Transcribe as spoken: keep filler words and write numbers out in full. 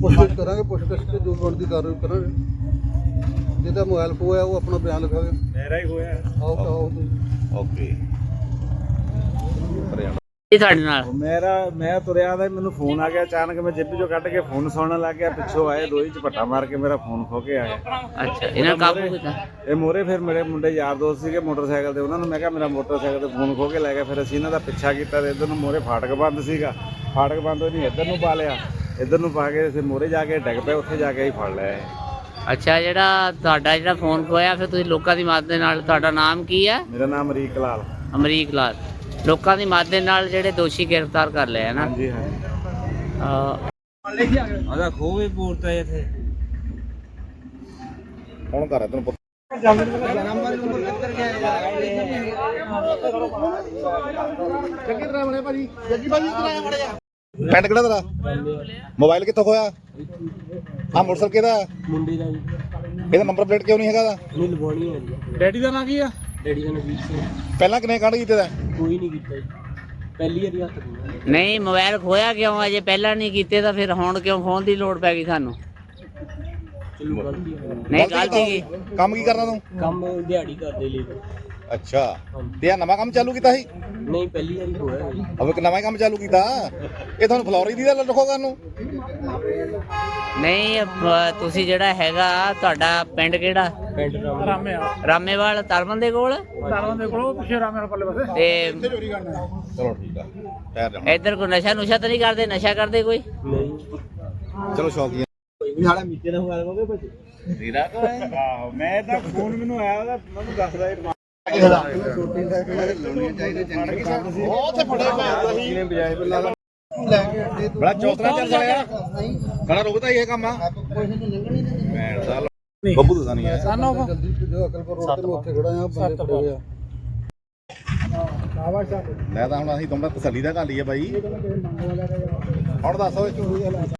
ਪੁੱਛਗਿੱਛ ਕਰਾਂਗੇ, ਪੁੱਛਗਿੱਛ ਤੇ ਜੋ ਬਣਦੀ ਕਾਰਵਾਈ ਕਰਾਂਗੇ। ਜਿਹਦਾ ਮੋਬਾਈਲ ਖੋਇਆ ਉਹ ਆਪਣਾ ਬਿਆਨ ਲਿਖਾਵੇ। ਮੇਰਾ ਹੀ ਹੋਇਆ। ਆਓ ਆਓ ਤੁਸੀਂ। ਓਕੇ ਇਹ ਸਾਡੇ ਨਾਲ ਮੇਰਾ ਮੈਂ ਤੁਰਿਆ ਦਾ ਮੈਨੂੰ ਫੋਨ ਆ ਗਿਆ ਅਚਾਨਕ, ਮੈਂ ਜੇਬੀ ਚੋਂ ਕੱਢ ਕੇ ਫੋਨ ਸੁਣਨ ਲੱਗ ਗਿਆ। ਪਿੱਛੋਂ ਆਏ ਦੋਈ ਝਪੱਟਾ ਮਾਰ ਕੇ ਮੇਰਾ ਫੋਨ ਖੋ ਕੇ ਆਏ। ਅੱਛਾ, ਇਹਨਾਂ ਕਾਬੂ ਕੀਤਾ। ਇਹ ਮੋਰੇ ਫਿਰ ਮੇਰੇ ਮੁੰਡੇ ਯਾਰ ਦੋਸਤ ਸੀਗੇ ਮੋਟਰਸਾਈਕਲ ਤੇ, ਉਹਨਾਂ ਨੂੰ ਮੈਂ ਕਿਹਾ ਮੇਰਾ ਮੋਟਰਸਾਈਕਲ ਤੇ ਫੋਨ ਖੋ ਕੇ ਲੈ ਗਿਆ। ਫਿਰ ਅਸੀਂ ਇਹਨਾਂ ਦਾ ਪਿੱਛਾ ਕੀਤਾ ਤੇ ਇੱਧਰ ਨੂੰ ਮੋਰੇ ਫਾਟਕ ਬੰਦ ਸੀਗਾ, ਫਾਟਕ ਬੰਦ ਹੋਈ ਨਹੀਂ, ਇੱਧਰ ਨੂੰ ਪਾ ਲਿਆ। ਇੱਧਰ ਨੂੰ ਪਾ ਕੇ ਫਿਰ ਮੋਰੇ ਜਾ ਕੇ ਡਿੱਗ ਪਏ, ਉੱਥੇ ਜਾ ਕੇ ਹੀ ਫੜ ਲਿਆ। ਅੱਛਾ, ਜਿਹੜਾ ਤੁਹਾਡਾ ਜਿਹੜਾ ਫੋਨ ਖੋਇਆ, ਫਿਰ ਤੁਸੀਂ ਲੋਕਾਂ ਦੀ ਮਦਦ ਦੇ ਨਾਲ, ਤੁਹਾਡਾ ਨਾਮ ਕੀ ਹੈ? ਮੇਰਾ ਨਾਮ ਅਮਰੀਕ ਲਾਲ। ਅਮਰੀਕ ਲਾਲ। ਲੋਕਾਂ ਦੀ ਮਦਦ ਦੇ ਨਾਲ ਜਿਹੜੇ ਦੋਸ਼ੀ ਗ੍ਰਿਫਤਾਰ ਕਰ ਲਏ ਹੈ ਨਾ? ਹਾਂਜੀ ਹਾਂਜੀ। ਆਦਾ ਖੋਹ ਵੀ ਪੂਰਤਾ ਇੱਥੇ ਕੌਣ ਕਰ ਰਿਹਾ ਤੈਨੂੰ ਪਤਾ? ਪਿੰਡ ਕਿਹੜਾ ਤੇਰਾ? ਮੋਬਾਈਲ ਕਿੱਥੋਂ ਖੋਇਆ? ਆਹ ਮੋਟਰਸਾਈਕਲ ਕਿਹਦਾ? ਮੁੰਡੇ ਦਾ ਜੀ। ਇਹਦਾ ਨੰਬਰ ਪਲੇਟ ਕਿਉਂ ਨਹੀਂ ਹੈਗਾ ਦਾ? ਨਹੀਂ ਲਵਾਉਣੀ ਹੈ ਜੀ। ਡੈਡੀ ਦਾ ਨਾਂ ਕੀ ਆ? ਡੈਡੀ ਦਾ ਨਵੀਰ ਸਿੰਘ। ਪਹਿਲਾਂ ਕਿੰਨੇ ਕਾਂਡ ਕੀਤੇ ਦਾ? ਕੋਈ ਨਹੀਂ ਕੀਤਾ ਜੀ, ਪਹਿਲੀ ਵਾਰੀ ਹੱਥ ਪਾਇਆ। ਨਹੀਂ, ਮੋਬਾਈਲ ਖੋਇਆ ਕਿਉਂ? ਅਜੇ ਪਹਿਲਾਂ ਨਹੀਂ ਕੀਤੇ ਤਾਂ ਫਿਰ ਹੁਣ ਕਿਉਂ ਖੋਣ ਦੀ ਲੋੜ ਪੈ ਗਈ ਸਾਨੂੰ? ਚਲੋ ਗਲਤੀ ਹੈ। ਨਹੀਂ, ਗਲਤੀ ਕੀ? ਕੰਮ ਕੀ ਕਰਨਾ ਤੂੰ? ਕੰਮ ਦਿਹਾੜੀ ਕਰਦੇ ਲਈ। ਅੱਛਾ, ਤੇ ਆ ਨਵਾਂ ਕੰਮ ਚਾਲੂ ਕੀਤਾ ਸੀ? ਨਹੀਂ, ਪਹਿਲੀ ਵਾਰੀ ਹੋਇਆ ਜੀ। ਅਬ ਇੱਕ ਨਵਾਂ ਕੰਮ ਚਾਲੂ ਕੀਤਾ। ਇਹ ਤੁਹਾਨੂੰ ਫਲੋਰੀ ਦੀ ਦਾ ਰੱਖੋਗਾ ਨੂੰ? ਨਹੀਂ, ਅ, ਤੁਸੀਂ ਜਿਹੜਾ ਹੈਗਾ ਤੁਹਾਡਾ ਪਿੰਡ ਕਿਹੜਾ? ਪਿੰਡ ਰਾਮੇ ਰਾਮੇਵਾਲ ਤਰਮਨ ਦੇ ਕੋਲ ਤਾਰਾਂ ਦੇ ਕੋਲ ਪਿੱਛੇ ਰਾਮੇ ਪੱਲੇ ਪਾਸੇ। ਤੇ ਚਲੋ ਠੀਕ ਆ, ਟਾਇਰ ਜਾਣਾ। ਇੱਧਰ ਕੋਈ ਨਸ਼ਾ ਨੁਸ਼ਾ ਤਾਂ ਨਹੀਂ ਕਰਦੇ? ਨਸ਼ਾ ਕਰਦੇ ਕੋਈ? ਨਹੀਂ। ਚਲੋ ਸ਼ੌਕੀਆ ਸਾਡਾ ਮੀਤੇ ਦਾ ਮੋਬਾਈਲ ਕੋਗੇ ਬੱਚੇ ਆਹੋ, ਮੈਂ ਤਾਂ ਫੋਨ ਮੈਨੂੰ ਆਇਆ ਉਹਦਾ, ਮੈਨੂੰ ਦੱਸਦਾ ਇਹ ਬੜਾ ਚੌਥਰਾ ਚੱਲ ਰਿਹਾ। ਖੜਾ ਰੁਕਦਾ ਹੀ ਇਹ ਕੰਮ ਆ। ਭੈਣ ਦਾ ਬੱਬੂ ਦਾ ਨਹੀਂ ਹੈ। ਜਲਦੀ ਜੋ ਅਕਲਪੁਰ ਰੋਡ ਤੇ ਉੱਥੇ ਖੜਾ ਆ, ਬੰਦੇ ਫੜੇ ਹੋਏ ਆ। ਮੈਂ ਤਾਂ ਹੁਣ ਅਸੀਂ ਤੁਮਰਾ ਤਸੱਲੀ ਦਾ ਕਰ ਲਈਏ ਬਾਈ। ਹੁਣ ਦੱਸੋ